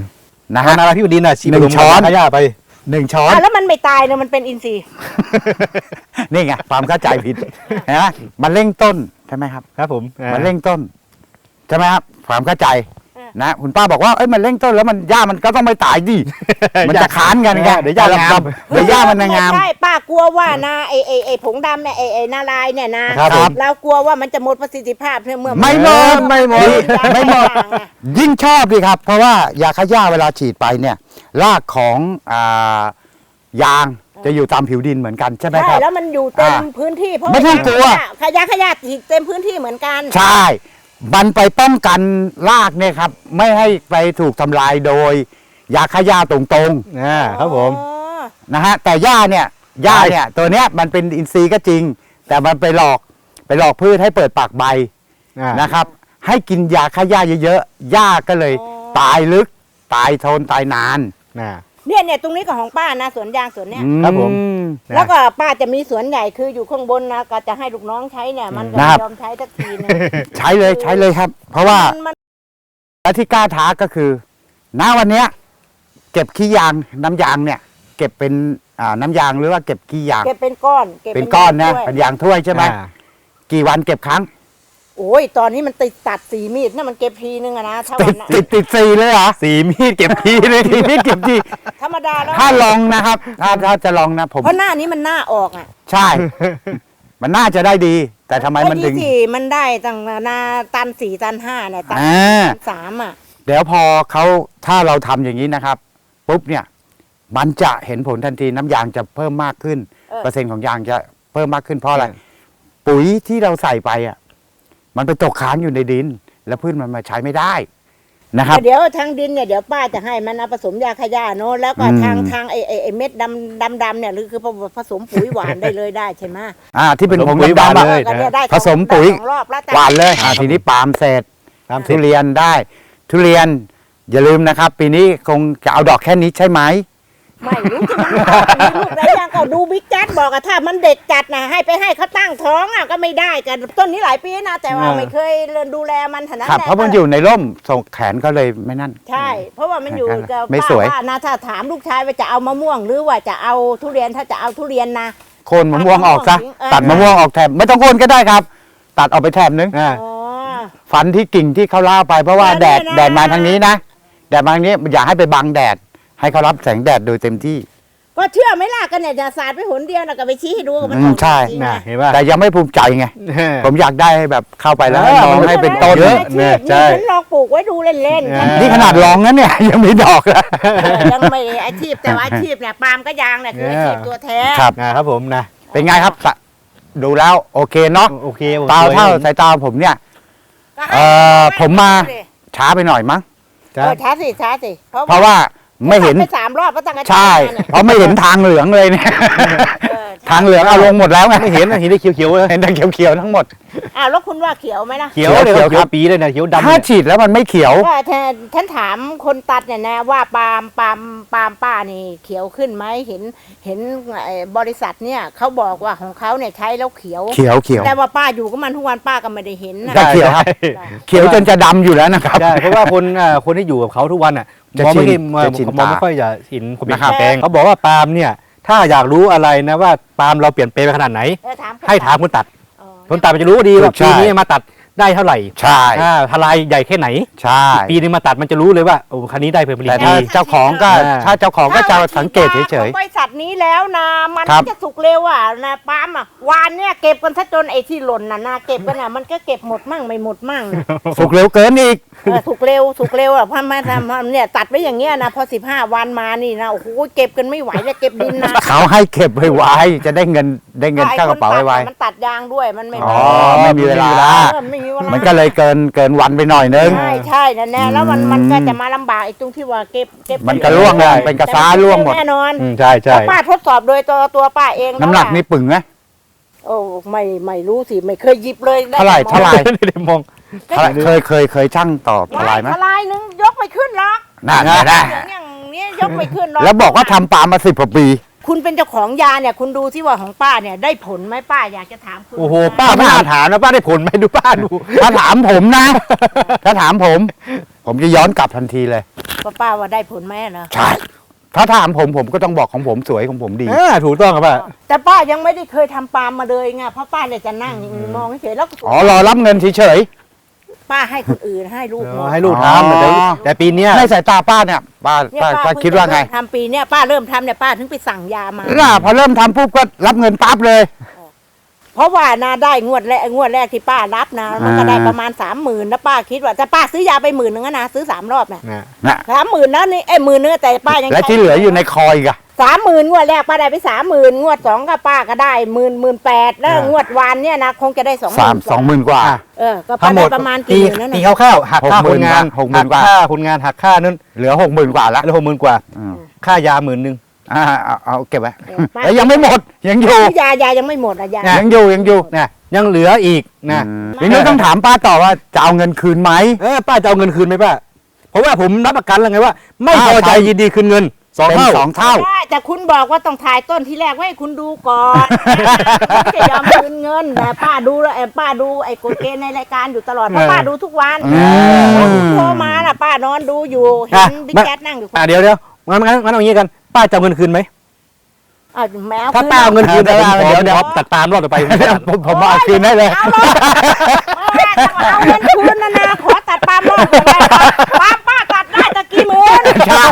Speaker 3: นะ
Speaker 1: ฮะ
Speaker 3: ฮะ
Speaker 1: นาราพิวดินน่ะฉีด
Speaker 3: หนึ่ง
Speaker 1: ผสม
Speaker 3: ช้อน
Speaker 1: ขยะไป
Speaker 3: หนึ่งช้อน
Speaker 2: อ่ะแล้วมันไม่ตายเนี่ยมันเป็นอินทรีย์
Speaker 3: นี่ไงความเข้าใจผิดนะมันเร่งต้นใช่ไหมครับ
Speaker 1: ครับผมอ่า
Speaker 3: มันเร่งต้นใช่ไหมครับความเข้าใจ
Speaker 2: เออ
Speaker 3: นะคุณป้าบอกว่าเอ้ยมันเร่งต้นแล้วมันหญ้ามันก็ต้องไม่ตายดิมันจะค้านกันไง
Speaker 1: เดี๋ยวหญ้างาม
Speaker 3: เดี๋ยวหญ้ามันจะงาม
Speaker 2: ไใช่ป้ากลัวว่านะไอไอไอผงดำเนี่ยไอไอนาลายเนี่ยนะครับ
Speaker 1: ผม
Speaker 2: เรากลัวว่ามันจะหมดประสิทธิภาพเมื่อ
Speaker 3: ไม่หมดไม่หมดไม่หมด
Speaker 2: อย่างไง
Speaker 3: ยิ่งชอบดีครับ เพราะว่ายาฆ่าหญ้าเวลาฉีดไปเนี่ยรากของอ่ายางจะอยู่ตามผิวดินเหมือนกันใช่ไหมค
Speaker 2: ใช่
Speaker 3: รับ
Speaker 2: แล้วมันอยู่เต็ม
Speaker 3: อ่า
Speaker 2: พื้นที่เพราะ
Speaker 3: ไม่ต้องกลัว
Speaker 2: ขยะขยะฉีดเต็มพื้นที่เหมือนกัน
Speaker 3: ใช่ มันไปป้องกันรากเนี่ยครับ ไม่ให้ไปถูกทำลายโดยยาฆ่าหญ้าตรง
Speaker 1: อ่าครับผม
Speaker 2: อ๋อ
Speaker 3: ๆนะฮะแต่หญ้าเนี่ยหญ้าเนี่ยตัวเนี้ยมันเป็นอินทรีย์ก็จริง แต่มันไปหลอกไปหลอกพืชให้เปิดปากใบ
Speaker 1: อ่า
Speaker 3: นะครับ ให้กินยาฆ่าหญ้าเยอะๆหญ้าก็เลยตายลึกตายทนตายนาน
Speaker 1: อ่า
Speaker 2: เนี่ยเนี่ยตรงนี้ก็ของป้านะสวนยางสวนเนี้ย
Speaker 1: ครับผม
Speaker 3: อื
Speaker 1: นะ
Speaker 2: แล้วก็ป้าจะมีสวนใหญ่คืออยู่ข้างบนนะก็จะให้ลูกน้องใช้เนี่ย มันก็
Speaker 3: นะค
Speaker 2: ไม่
Speaker 3: รับ
Speaker 2: ยอมใช้สักทีนึง
Speaker 3: ใช้เลยใช้เลยครับ เพราะว่า
Speaker 2: มันมัน
Speaker 3: และที่กล้าท้าก็คือณวันเนี้ยเก็บขี้ยางน้ำยางเนี่ย เก็บเป็นอ่าน้ำยางหรือว่าเก็บขี้ยาง
Speaker 2: เก็บเป็นก้อนก็บ
Speaker 3: เป็นก้อนนะ
Speaker 2: ด้วย
Speaker 3: เป็นยางถ้วยใช่ไหม
Speaker 1: อ่า
Speaker 3: กี่วันเก็บครั้ง
Speaker 2: โอ้ยตอนนี้มันติดตัดสีมีดนะมันเก็บทีนึงอะนะถ้า
Speaker 3: ติ
Speaker 2: วั
Speaker 3: ด
Speaker 2: นน่ะ
Speaker 3: ติดติดสี่เลยเหรอ
Speaker 1: สีมีดเก็บทีเลย
Speaker 3: ทีนี้เก็บที
Speaker 2: ธรรมดาแล้ว
Speaker 3: ถ้าลองนะครับ ถ้าถ้าจะลองนะผม
Speaker 2: เพราะหน้านี้มันหน้าออกอ่ะ
Speaker 3: ใช่ มันน่าจะได้ดี แต่ทำไมมันถึง
Speaker 2: ก็ดีสิมันได้ตั้งนาตันสี่ตันห้าเนี่ยตัน
Speaker 3: อ่า
Speaker 2: สามอ่ะ
Speaker 3: เดี๋ยวพอเขาถ้าเราทำอย่างนี้นะครับปุ๊บเนี่ย มันจะเห็นผลทันทีน้ำยางจะเพิ่มมากขึ้น
Speaker 2: เออ
Speaker 3: เปอร์เซ็นต์ของยางจะเพิ่มมากขึ้นเพราะอะไร
Speaker 1: เออ
Speaker 3: ปุ๋ยที่เราใส่ไปอ่ะ มันไปตกค้างอยู่ในดิน แล้วพืชมันมาใช้ไม่ได้นะครับ
Speaker 2: แต่เดี๋ยวทางดินเนี่ยเดี๋ยวป้าจะให้มันเอาผสมยาขยะโน้นแล้วก็
Speaker 3: อืม
Speaker 2: ทางทางไอไอไอเม็ดดำดำดำเนี่ยหรือคือผสมปุ๋ยหวานได้เลยได้ใช่ไหม
Speaker 3: อ่าที่เป็นผง
Speaker 1: ปุ๋ยหวาน
Speaker 3: ดำๆอะ
Speaker 1: เลย
Speaker 2: ก็เนี่ยได้
Speaker 3: ผสมปุ๋ย
Speaker 2: ได้สองรอบแล้วแต่
Speaker 3: หวานเลยอ่าทีนี้ปาล์มเสร็จ
Speaker 1: ตาม
Speaker 3: ทุ
Speaker 1: เสร็จ
Speaker 3: เรียนได้ ทุเรียนอย่าลืมนะครับ ปีนี้คงจะเอาดอกแค่นี้ใช่ไหม
Speaker 2: ไม่รู้จะมันมีลูกอะไรอย่างก็ดูบิ๊กจัดบอกอะถ้ามันเด็กจัดนะให้ไปให้เขาตั้งท้องอะก็ไม่ได้กันต้นนี้หลายปีนะแต่ว่าไม่เคยดูแลมันขนาด
Speaker 3: ครับ
Speaker 2: นั้น
Speaker 3: เพราะมันอยู่ในร่มส่งแขนก็เลยไม่นั่น
Speaker 2: ใช่ เพราะว่ามันอยู่กับ
Speaker 3: ไม่
Speaker 2: ป้า
Speaker 3: สวย
Speaker 2: ว่านะถ้าถามลูกชายว่าจะเอามะม่วงหรือว่าจะเอาทุเรียนถ้าจะเอาทุเรียนนะ
Speaker 3: โคนมะม่วงออกซะ
Speaker 2: เออ
Speaker 3: ตัดมะม่วงออกแถบไม่ต้องโคนก็ได้ครับ ตัดออกไปแถบนึง
Speaker 1: อ่า
Speaker 2: อ๋อ
Speaker 3: ฟันที่กิ่งที่เขาล่าไปเพราะว่า
Speaker 2: แล้ว
Speaker 3: แดด
Speaker 2: เนี่ยนะ
Speaker 3: แดดมาทางนี้นะแดดมาทางนี้อย่าให้ไปบังแดด ให้เขารับแสงแดดโดยเต็มที่
Speaker 2: ก็เชื่อไหมล่ะกันเนี่ยจะสาดไปหนเดียวนะก็ไปชี้ให้ดูว่ามัน
Speaker 3: อืม
Speaker 2: ออก
Speaker 3: ใช่
Speaker 2: จริงๆ
Speaker 1: น่ะ
Speaker 2: นะ
Speaker 1: เห็นป่ะ
Speaker 3: แต่ยังไม่ภูมิใจไง ผมอยากได้ให้แบบเข้าไปแล้ว
Speaker 1: เออ
Speaker 3: มองให้เป็นต้น
Speaker 1: เยอะ
Speaker 2: อาชีพ
Speaker 1: เนี่ยใช่
Speaker 2: ฉันลองปลูกไว้ดูเล่น
Speaker 1: เอ
Speaker 2: ๆ
Speaker 1: อ
Speaker 3: นี่ขนาดลองนั้นเนี่ย ยังไม่ดอกเลย
Speaker 2: เออยังไม่อาชีพแต่ว่าอาชีพเนี่ยปาล์มก็ยางเนี่ยคืออาชีพตัวแท้
Speaker 3: ครับ
Speaker 1: นะครับผมนะ
Speaker 3: เป็นไงครับสะดูแล้วโอเคเนาะ
Speaker 1: โอเคโอค
Speaker 3: ตาเท่าสายตาผมเนี่ย
Speaker 2: ก็ให้
Speaker 3: เอ่อ
Speaker 2: ดู
Speaker 3: ผมมา
Speaker 2: สิ
Speaker 3: ช้าไปหน่อยมั้ง
Speaker 2: เออช้าสิช้าสิ
Speaker 3: เพราะว่าไม่เห็น
Speaker 2: ไปสามรอบแล้วตั้งแต่
Speaker 3: ใช่
Speaker 2: เนี่ย
Speaker 3: เพราะไม่เห็นทางเหลืองเลยเนี่ย
Speaker 2: เออใช่
Speaker 3: ทางเหลืองเอาลงหมดแล้วไง
Speaker 1: ไม่เห็นนะเห็นได้เขียวๆเลย
Speaker 3: เห็นแต่เขียวๆทั้งหมด
Speaker 2: อ้าวแล้วคุณว่าเขียวไหมล่ะ
Speaker 1: เขียวเลย
Speaker 3: เขียว
Speaker 1: เขี
Speaker 3: ค
Speaker 1: ย
Speaker 3: รั
Speaker 1: ว
Speaker 3: บ
Speaker 1: ปีเลยนะเขียวดำ
Speaker 3: ถ้า
Speaker 1: เนี่ย
Speaker 3: ฉีดแล้วมันไม่เขียว
Speaker 2: ก็แทนฉันถามคนตัดเนี่ยนะว่าปาล์มปาล์มปาล์มป้านี่เขียวขึ้นไหมเห็นเห็นไอ้บริษัทเนี่ยเขาบอกว่าของเขาเนี่ยใช้แล้วเขียว
Speaker 3: เขียวเขียว
Speaker 2: แต่ว่าป้าอยู่กับมันทุกวันป้าก็ไม่ได้เห็นนะ
Speaker 3: ได้เขียวครับ
Speaker 1: ใช่
Speaker 3: เขียวจนจะดำอยู่แล้วนะครับ
Speaker 1: ใช่เพราะว่าคนอ่าคนที่อยู่กับเขาทุกวันอ่ะ
Speaker 3: จะ
Speaker 1: มองไม่
Speaker 3: ชิน
Speaker 1: เห็นมอง
Speaker 3: จะชิน
Speaker 1: มองไม่
Speaker 3: ตา
Speaker 1: ค่อยจะเห็นความเปลี่ยน
Speaker 3: นะครับ
Speaker 1: แปลงเขาบอกว่าปาล์มเนี่ย ถ้าอยากรู้อะไรนะว่าปาล์มเราเปลี่ยนแปลงไปขนาดไหน
Speaker 2: เออถามคน
Speaker 1: ให้ถามคนตัด
Speaker 2: อ๋อ
Speaker 1: คนตัดมันจะรู้ดีว่า
Speaker 3: ใช่
Speaker 1: ปีนี้มาตัดได้เท่าไหร่
Speaker 3: ใช่
Speaker 1: อ่าทลายใหญ่แค่ไหน
Speaker 3: ใช่
Speaker 1: ปีนึงมาตัดมันจะรู้เลยว่าโอ้คันนี้ได้ผลผลิต
Speaker 3: แต่
Speaker 1: ดี
Speaker 3: ถ้าเจ้าของก็
Speaker 1: อ่า
Speaker 3: ถ้าเจ้าของก็จะสังเกตเฉย
Speaker 2: ของบริษัทนี้แล้วนะมัน
Speaker 3: ครับ
Speaker 2: จะสุกเร็วอ่ะนะปาล์มอ่ะวานเนี่ยเก็บกันซะจนไอ้ที่หล่นน่ะนะเก็บกันอ่ะมันก็เก็บหมดมั่งไม่หมดมั่งนะ
Speaker 3: ๆสุกเร็วเกินอีก
Speaker 2: เออสุกเร็วสุกเร็วอ่ะเพราะมาทำเนี่ยตัดไว้อย่างเงี้ยนะพอสิบห้าวันมานี่นะโอ้โหเก็บกันไม่ไหวเลยเก็บดินนะ
Speaker 3: เขาให้เก็บไว้จะได้เงินได้เงินเข้ากระเป๋าไว้
Speaker 2: อ้คนตัดน่ะมันตัดยางด้วยมันไม่
Speaker 3: อ๋อ
Speaker 2: มี
Speaker 3: ไม่มีเวลา
Speaker 2: เออไม่มีเวลา
Speaker 3: มันก็เลยเกินเกินวันไปหน่อยนึง
Speaker 2: ใช่ใช่นั่นแน่แล้วมัน
Speaker 3: อืม
Speaker 2: มันก็จะมาลำบากไอ้ตรงที่ว่าเก็บเก็บ
Speaker 3: มันก็ร่วงเลยเป็นกระซ้าร่วงหมด
Speaker 2: แน่นอน
Speaker 1: อืมใช่ใช่
Speaker 2: แล้วป้าทดสอบโดยตัวตัวป้าเองแล้ว
Speaker 3: น้ำหนัก
Speaker 2: อะ
Speaker 3: นี่ปึ่งไหม
Speaker 2: โอ้ไม่ไม่รู้สิไม่เคยหยิบเลยด้
Speaker 3: เท่าไหร่
Speaker 2: แต่มอง
Speaker 3: เท่าไหร่
Speaker 1: ไม่ได้มอง
Speaker 3: เท่าไหร่เคยเคยเคยช่างต่อทลายไหม
Speaker 2: ทลายนึงยกไม่ขึ้นหรอก
Speaker 3: น่าจะได้
Speaker 2: อย่างเนี้ยยกไม่ขึ้นหรอก
Speaker 3: แล้วบอกว่าทำปาล์มมาสิบกว่าปี
Speaker 2: คุณเป็นเจ้าของยาเนี่ย คุณดูที่ว่าของป้าเนี่ยได้ผลไหมป้าอยากจะถามคุณ
Speaker 1: โอ้โหป้าไม่น่าถามนะป้าได้ผลไหมดูป้าดู
Speaker 3: ถ้าถามผมนะ ถ้าถามผมผมจะย้อนกลับทันทีเลย
Speaker 2: ป้าป้าว่าได้ผลไหมนะ
Speaker 3: ใช่ถ้าถามผมผมก็ต้องบอกของผมสวยของผมดี
Speaker 1: อ่าถูกต้องครับป้า
Speaker 2: แต่ป้ายังไม่ได้เคยทำปาล์มมาเลยไงเพราะป้าเลยจะนั่งมองเฉยๆแล้วก็
Speaker 3: อ๋อรอรับเงินเฉย
Speaker 2: ป้าให้คนอื่นให้ลูกหมด
Speaker 1: ให้ลูกทำแต่แต่ปีเนี้ย
Speaker 3: ๆในสายตาป้าเนี่ยป้า
Speaker 2: เนี่ย
Speaker 3: ป้า
Speaker 2: ป้า
Speaker 3: ป้า
Speaker 2: เพิ่ง
Speaker 3: คิดว่าไง
Speaker 2: จะเริ่มทำปีเนี่ยป้าเริ่มทำเนี่ยป้าถึงไปสั่งยามา
Speaker 3: น่ะพอเริ่มทำปุ๊บก็รับเงินปั๊บเลย
Speaker 2: เพราะว่านาได้งวดแรกงวดแรกที่ป้ารับนะมันก็ได้ประมาณสามหมื่นแล้วป้าคิดว่าแต่ป้าซื้อยาไปหมื่นนึงนะซื้อสามรอบเนี่ย
Speaker 1: นะ
Speaker 3: นะ
Speaker 2: สามหมื่นนะนี่ไอ้หมื่นนึงแต่ป้ายัง
Speaker 3: และที่เหลืออยู่ในคอยกะ
Speaker 2: สามหมื่นงวดแรกป้าได้ไปสามหมื่นงวดสองก็ป้าก็ได้หมื่นหมื่นแปดแล้วงวดวานเนี่ยนะคงจะได้สองห
Speaker 3: สา
Speaker 2: มื่
Speaker 3: ม
Speaker 2: น
Speaker 3: สองหมื่นกว่า
Speaker 2: เออก็ป้าได้ประมาณกี่หมื่นนั่น
Speaker 1: ตี
Speaker 2: น่ะ
Speaker 1: คร่าวๆหักค่าคนงาน
Speaker 3: หกหมื่นกว่า
Speaker 1: หัค่าคนงานหักค่านั่น
Speaker 3: เหลือหกหมื่นกว่าละ
Speaker 1: แล้วหกหมื่นกว่า
Speaker 3: อืม
Speaker 1: ค่ายาหมื่นหนึ่ง
Speaker 3: อ่าเอาเอาเก็บไว้
Speaker 2: เออป้า
Speaker 3: แล้วยังไม่หมดยังอยู่
Speaker 2: ยายายังไม่หมดอ่ะยา
Speaker 3: ยังอยู่ยังอยู่
Speaker 1: นะยังเหลืออีกนะ
Speaker 3: อืมทีนี้ต้องถามป้าต่อว่าจะเอาเงินคืนไหม
Speaker 1: เออป้าจะเอาเงินคืนไหมป้าเพราะว่าผมรับประกันแล้วไงว่า ไม่พอใจ
Speaker 3: ป้า
Speaker 1: ยินดีคืนเงินสอง
Speaker 3: เป็น
Speaker 1: เท่า
Speaker 3: สองเท่า
Speaker 2: ได้แต่คุณบอกว่าต้องถ่ายต้นที่แรกไว้ให้คุณดูก่อนไม่จะยอมคืนเงินแต่ป้าดูแล้วไอ้ป้าดูไอ้กฎเกณฑ์ในรายการอยู่ตลอดเพราะป้าดูทุกวัน
Speaker 3: อืม
Speaker 2: แล้วคุณโทรมาน่ะป้านอนดูอยู่เห็นบิ๊กแจ๊ดนั่งอยู่
Speaker 1: อ่ะเดี๋ยวเดี๋ยวงั้นงั้นงั้นเอาอย่างนี้กันป้าจะเอาเงินคืนไหม
Speaker 2: อ้าวแมว
Speaker 1: ถ้าป้าเอาเงินคืน
Speaker 3: เดี๋ยว
Speaker 1: ผมขอ
Speaker 3: เดี๋ยวเดี๋ยว
Speaker 1: ขอตัดตามรอบต่อไป
Speaker 3: ผมผมเอาคืนได้เลย
Speaker 2: เอาเลยเอาเงินคืนนะนะขอตัดปาล์มรอบเลยปาล์มป้าตัดได้ตะกี้หมื่น
Speaker 3: ใช่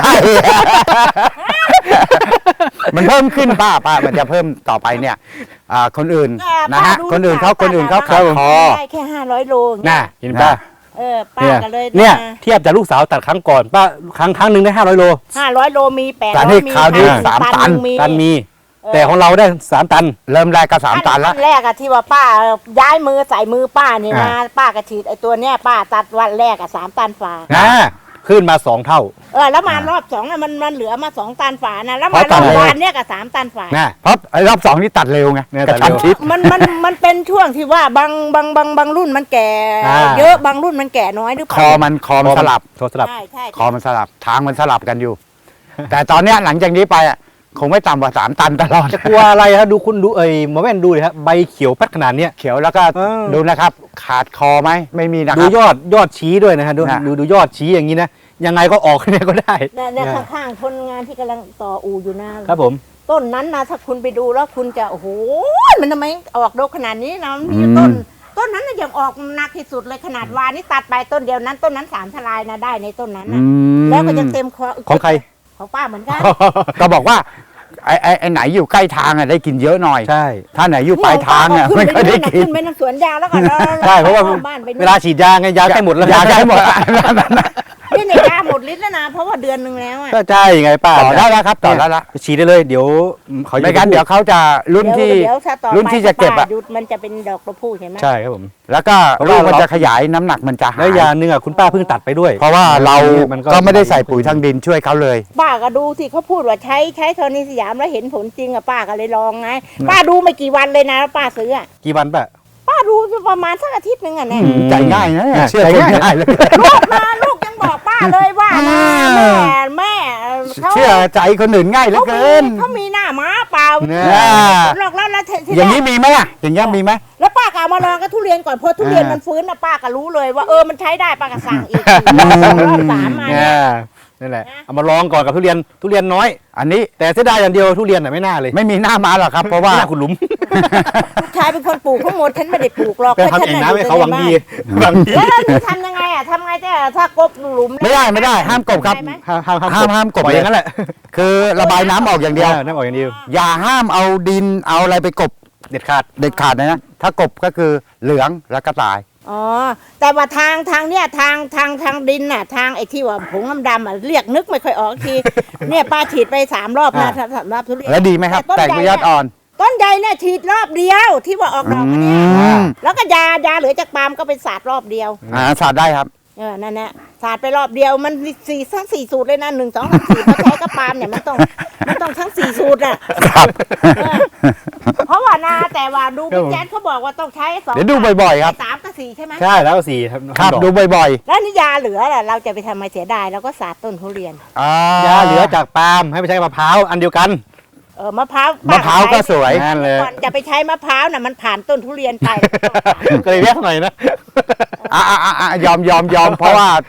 Speaker 3: มันเพิ่มขึ้นป้าป้ามันจะเพิ่มต่อไปเนี่ยอ่าคนอื่นนะฮะคนอื่นเขาคนอื่นเขาขาดคอ
Speaker 2: ได้แค่ห้าร้อยโล
Speaker 1: น่ะเห็นป้า
Speaker 2: เออป้า
Speaker 1: เนี่ย
Speaker 2: ก็เลย
Speaker 1: เนี่ยเทียบจากลูกสาวตัดครั้งก่อนป้าครั้งครั้งหนึ่งได้ห้าร้อยโล
Speaker 2: ห้าร้อยโลมีแปด
Speaker 3: แต่
Speaker 2: ร้
Speaker 3: นี่
Speaker 2: อยมี
Speaker 3: คราวนี้
Speaker 2: ห้
Speaker 3: สามตัน
Speaker 2: หงมี
Speaker 1: ตันมี แต่ของเราได้สามตัน
Speaker 3: เริ่มแรกก็สามตันแล้ว
Speaker 2: ขั้แรกอะที่ว่าป้าย้ายมือใส่มือป้านี่นะ
Speaker 1: อ่า
Speaker 2: ป้ากระฉีดไอ้ตัวเนี้ยป้าตัดวันแรกอะสามตันฝา
Speaker 1: นะขึ้นมาสองเท่า
Speaker 2: เออแล้วมารอบสองอะมันมันเหลือมาสองตันฝานะแล้ว
Speaker 3: เพ
Speaker 2: มา
Speaker 3: ราะ
Speaker 2: ร
Speaker 3: ตั
Speaker 2: อ
Speaker 3: ด
Speaker 2: บ
Speaker 3: เลย
Speaker 2: วานเนี่ยกับสามตันฝา
Speaker 1: นะ
Speaker 3: เพราะไอ้รอบสองนี่ตัดเร็วไง
Speaker 1: เนี่ย
Speaker 3: กระชัน
Speaker 1: ตัดเร็ว
Speaker 3: ชิด
Speaker 2: มันมันมันเป็นช่วงที่ว่าบางบางบางบางรุ่นมันแก่
Speaker 1: อ่า
Speaker 2: เยอะบางรุ่นมันแก่น้อยหรือเป
Speaker 3: ค
Speaker 2: ล่า
Speaker 3: อมันคอมันสลับ
Speaker 1: โทรสลับ
Speaker 2: ใช่ใช่
Speaker 3: คอมันสลับทางมันสลับกันอยู่ แต่ตอนเนี้ยหลังจากนี้ไปอ่ะคงไม่ต่ำกว่าสามตันตลอด
Speaker 1: จะกลัวอะไรครับดูคุณดูเอ้ยหมอแว่นดูเลยครับใบเขียวแป๊ดขนาดเนี้ย
Speaker 3: เขียวแล้วก็
Speaker 1: เออ
Speaker 3: ดูนะครับ ขาดคอไหมไม่มีนะค
Speaker 1: ดู
Speaker 3: รับ
Speaker 1: ยอดยอดชี้ด้วยนะฮะดู
Speaker 3: นะ
Speaker 1: ดูดูยอดชี้อย่างนี้นะยังไงก็ออกเนี่ยก็ได้
Speaker 2: เนี่ยเนี่ย
Speaker 1: เนี่ย
Speaker 2: ข้างๆคนงานที่กำลังต่ออู่อยู่นะครับ
Speaker 1: ผม
Speaker 2: ต้นนั้นนะถ้าคุณไปดูแล้วคุณจะโอ้โหมันทำไมออกดอกขนาดนี้นะมันมีอยู่ต้น ต้นนั้นน่ะยังออกหนักที่สุดเลยขนาดวานนี่ตัดไปต้นเดียวนั้น ต้นนั้นสามทลายนะได้ในต้นนั้น
Speaker 3: อื
Speaker 2: นะ
Speaker 3: ม
Speaker 2: แล้วก็ยังเต็มคอ
Speaker 1: ของใคร
Speaker 2: ของป้าเหมือนกัน
Speaker 3: ก็บอกว่าไอ้ไอ้ไอ้ไหนอยู่ใกล้ทางอ่ะได้กินเยอะหน่อย
Speaker 1: ใช่
Speaker 3: ถ้าไหนอยู่ปลายทางอ่ะ
Speaker 2: ขึ้น
Speaker 3: ไม่
Speaker 2: ไป
Speaker 3: ค่อยได้
Speaker 2: นู่นน่ะ
Speaker 3: กิน
Speaker 2: ขึ้นไปน้ำสวนยางแล้วก็
Speaker 1: ใช่เพราะว่า
Speaker 2: บ้านไป
Speaker 1: เวลาฉีดยาไงยาใกล้หมดแล้ว
Speaker 3: ยาใกล้หมด
Speaker 2: นี่ในยาหมดฤทธิ์แล้วนะเพราะว่าเดือนหนึ่งแล้วอ่ะ
Speaker 1: ก็ใช่ไงป้า
Speaker 3: ต่อได้แล้วครับต่อได้แล้ว
Speaker 1: ฉีดได้เลยเดี๋ยวเขา
Speaker 3: ไม่งั้นเดี๋ยวเขาจะรุ่นที่
Speaker 2: เดี๋ยวถ้าต่อ
Speaker 3: รุ่นที่จะเก็บอะ
Speaker 2: ป้าหยุดมันจะเป็นดอกตัวผู้ใช่ไหม
Speaker 1: ใช่ครับผม
Speaker 3: แล้วก็
Speaker 1: เพราะ
Speaker 3: ลู
Speaker 1: ว่า
Speaker 3: กมัน
Speaker 1: เรา
Speaker 3: จะขยายน้ำหนักมันจะหา
Speaker 1: แล้ว
Speaker 3: ย
Speaker 1: ยาหนึ่งอ่ะคุณป้าเพิ่งตัดไปด้วย
Speaker 3: เพราะว่าเรา
Speaker 1: มันก็
Speaker 3: ก็ไม่ได้ใส่ปุ๋ยทางดินช่วยเขาเลย
Speaker 2: ป้าก็ดูที่เขาพูดว่าใช้ใช้โทนิสยามแล้วเห็นผลจริงอะป้าก็เลยลองไงป้าดูไม่กี่วันเลยนะแล้วป้าซื้ออะ
Speaker 1: กี่วันป้า
Speaker 2: ป้าดูประมาณสักอาทิตย์หนึงอะเนี่ย
Speaker 1: อืม
Speaker 3: ใจง่ายนะเนี่ย
Speaker 1: อ่ะ
Speaker 3: เชื่อ
Speaker 1: ใจ
Speaker 3: ใจ
Speaker 1: ง่าย
Speaker 3: ง่ายเลย
Speaker 2: ลูกมาลูกยังบอกป้าเลยว่านะแม่แม่เขา
Speaker 3: เชื่อใจคนอื่นง่ายเหลือ
Speaker 2: เขา
Speaker 3: เกิ
Speaker 2: มี
Speaker 3: น
Speaker 2: เขามีหน้าม้าเปล่า
Speaker 1: เนี่ย
Speaker 3: อ่า
Speaker 2: หลอกแล้วแล้วที
Speaker 3: อย่าง
Speaker 2: แร
Speaker 3: นี้
Speaker 2: ก
Speaker 3: มีไหมอ่ะอย่างเงี้ยมีไหม
Speaker 2: แล้วป้าก็เอามาลองกับทุเรียนก่อนพอทุเรียน
Speaker 3: อ่ามั
Speaker 2: มันฟื้นนะป้าก็รู้เลยว่าเออมันใช้ได้ป้าก็สั่งอีกรอบสามมา
Speaker 1: เนี่
Speaker 2: เนี่ย
Speaker 1: ยนั่นแหละเอามาลองก่อนกับทุเรียนทุเรียนน้อย
Speaker 3: อันนี้
Speaker 1: แต่เสียดายอย่างเดียวทุเรียนอ่ะไม่น่าเลย
Speaker 3: ไม่มีหน้ามาหรอกครับ เพราะว่า
Speaker 1: ไม่น่าขุดหลุม
Speaker 2: ลูกชายเป็นคนปลูกทั้งหมดฉันไม่ได้ปลูกหรอก
Speaker 1: ไปทำเองนะให้เขาหวังดีหวังดี
Speaker 2: แล้วเราจะทำยังไงอ่ะทำไงแต่ถ้ากบหลุม
Speaker 3: ไม่ได้ไม่ได้ห้ามกบครับ
Speaker 2: ได้ไหม
Speaker 1: ห้ามห้าม
Speaker 3: ห้ามห้ามกบ
Speaker 1: ปล่อยอย่างนั้นแหละ
Speaker 3: คือระบายน้ำออกอย่างเดียว
Speaker 1: น้ำออกอย่างเดียว
Speaker 3: อย่าห้ามเอาดินเอาอะไรไปกบ
Speaker 1: เด็ดขาด
Speaker 3: เด็ดขาดนะนะถ้ากบก็คือเหลืองแล้วก็ตาย
Speaker 2: อ๋อแต่ว่าทางทางเนี่ยทางทางทางดินน่ะทางไอ้ที่ว่าผงดำๆอ่ะเรียกนึกไม่ค่อยออกที เนี่ยป้าฉีดไปสามรอบนะสามรอบทุเรียน
Speaker 3: แล้วดีไหมครับ
Speaker 2: ต้น
Speaker 3: แตก
Speaker 2: ใหญ่
Speaker 3: ใบยอดอ่อน
Speaker 2: ต้นใหญ่เนี่ยฉีดรอบเดียวที่ว่าออกดอกมาเนี่ย
Speaker 3: อืม
Speaker 2: แล้วก็ยายาเหลือจากปาล์มก็ไปสาดรอบเดียว
Speaker 3: อ่าสาดได้ครับ
Speaker 2: เออนั่นแหละสาดไปรอบเดียวมันสี่ทั้งสี่สูตรเลยนะหนึ่งสองสามสี่มาใช้กับปาล์มเนี่ยมันต้องมันต้องทั้งสี่สูตรอ่ะ
Speaker 3: ครับ
Speaker 2: เออเพราะว่านาแต่ว่าดูพี่แจ๊ดเขาบอกว่าต้องใช้สอง
Speaker 3: เดี๋ยวดูบ่อยๆครับ
Speaker 2: สามกับสี่ใช่ไหม
Speaker 1: ใช่แล้วก็สี่ครับ
Speaker 3: ครับ
Speaker 1: ดอก
Speaker 3: ดูบ่อย
Speaker 2: แล้วนี่ยาเหลือล่ะเราจะไปทำไมเสียดายเราก็สาดต้นทุเรียน
Speaker 3: ๆอ่าย
Speaker 1: าเหลือจากปาล์มให้ไปใช้กับมะพร้าวอันเดียวกัน
Speaker 2: เออมะพร้าว
Speaker 3: มะพร้าวก็สวย
Speaker 1: นั่นเลย
Speaker 2: ก่อนจะไปใช้มะพร้าวน่ะมันผ่านต้นทุเรียนไป
Speaker 1: ก็เลยแยกหน่อยนะ
Speaker 3: อ่าอ่าอ่ายอมยอมยอมเพราะว่า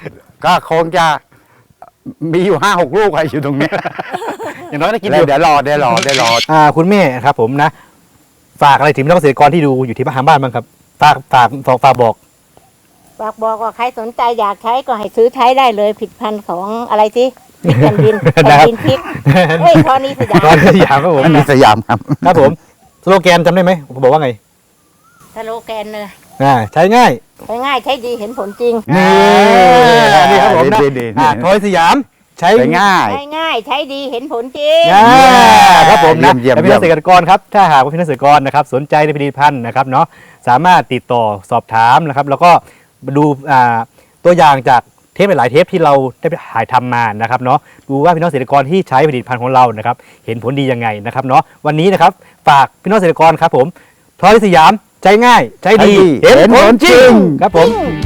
Speaker 3: ก็คงจะมีอยู่ห้าหกลูกอะอยู่ตรงเนี้ย
Speaker 1: อย่างน้อยได้กิน
Speaker 3: เดี๋
Speaker 1: อยู่
Speaker 3: ยวรอเดี๋ยวรอเดี๋ยวรอ
Speaker 1: อ่าคุณแม่ครับผมนะ ฝากอะไรถึงพี่น้องเกษตรกรที่ดูอยู่ที่บ้านทางบ้านบ้างครับฝากฝากฝากฝากบอก
Speaker 2: ฝากบอกว่าใครสนใจอยากใช้ก็ให้ซื้อใช้ได้เลยผลิดพันธุ์ของอะไรสิพริกแผ่นดินแผ่นดินพริกเฮ้ยพอนี้สยาม
Speaker 1: ตอนสยามครับผม
Speaker 3: อันนี้สยามครับ
Speaker 1: ครับผมสโลแกนจำได้ไหมผมบอกว่าไง
Speaker 2: สโลแกนเลย
Speaker 1: อ่าใช้ง่าย
Speaker 2: ใช้ง่ายใช้ดีเห็นผลจริง
Speaker 3: นี่
Speaker 1: นี่ครับผมนะ
Speaker 3: ดีดีดี
Speaker 1: อ่าทอยสยามใช้
Speaker 3: ใช้ง่าย
Speaker 2: ใช้ง่ายใช้ดีเห็นผลจริง
Speaker 1: อ่าครับผมนะ
Speaker 3: เยี่ยม
Speaker 1: และ
Speaker 3: เยี่
Speaker 1: พี่
Speaker 3: ย
Speaker 1: น้
Speaker 3: ม
Speaker 1: องเกษตรกรครับถ้าหากว่าพี่น้องเกษตรกรนะครับสนใจในผลิตภัณฑ์นะครับเนาะสามารถติดต่อสอบถามนะครับแล้วก็ดูอ่าตัวอย่างจากเทปหลายๆเทปที่เราได้ถ่ายทำมานะครับเนาะดูว่าพี่น้องเกษตรกรที่ใช้ผลิตภัณฑ์ของเรานะครับเห็นผลดียังไงนะครับเนาะวันนี้นะครับฝากพี่น้องเกษตรกรครับผมทอยสยามใช้ง่ายใช้ดี
Speaker 3: ใช้ดี
Speaker 1: เห็นผลจริง
Speaker 3: เห็นผลจริง
Speaker 1: ครับผม
Speaker 2: จริง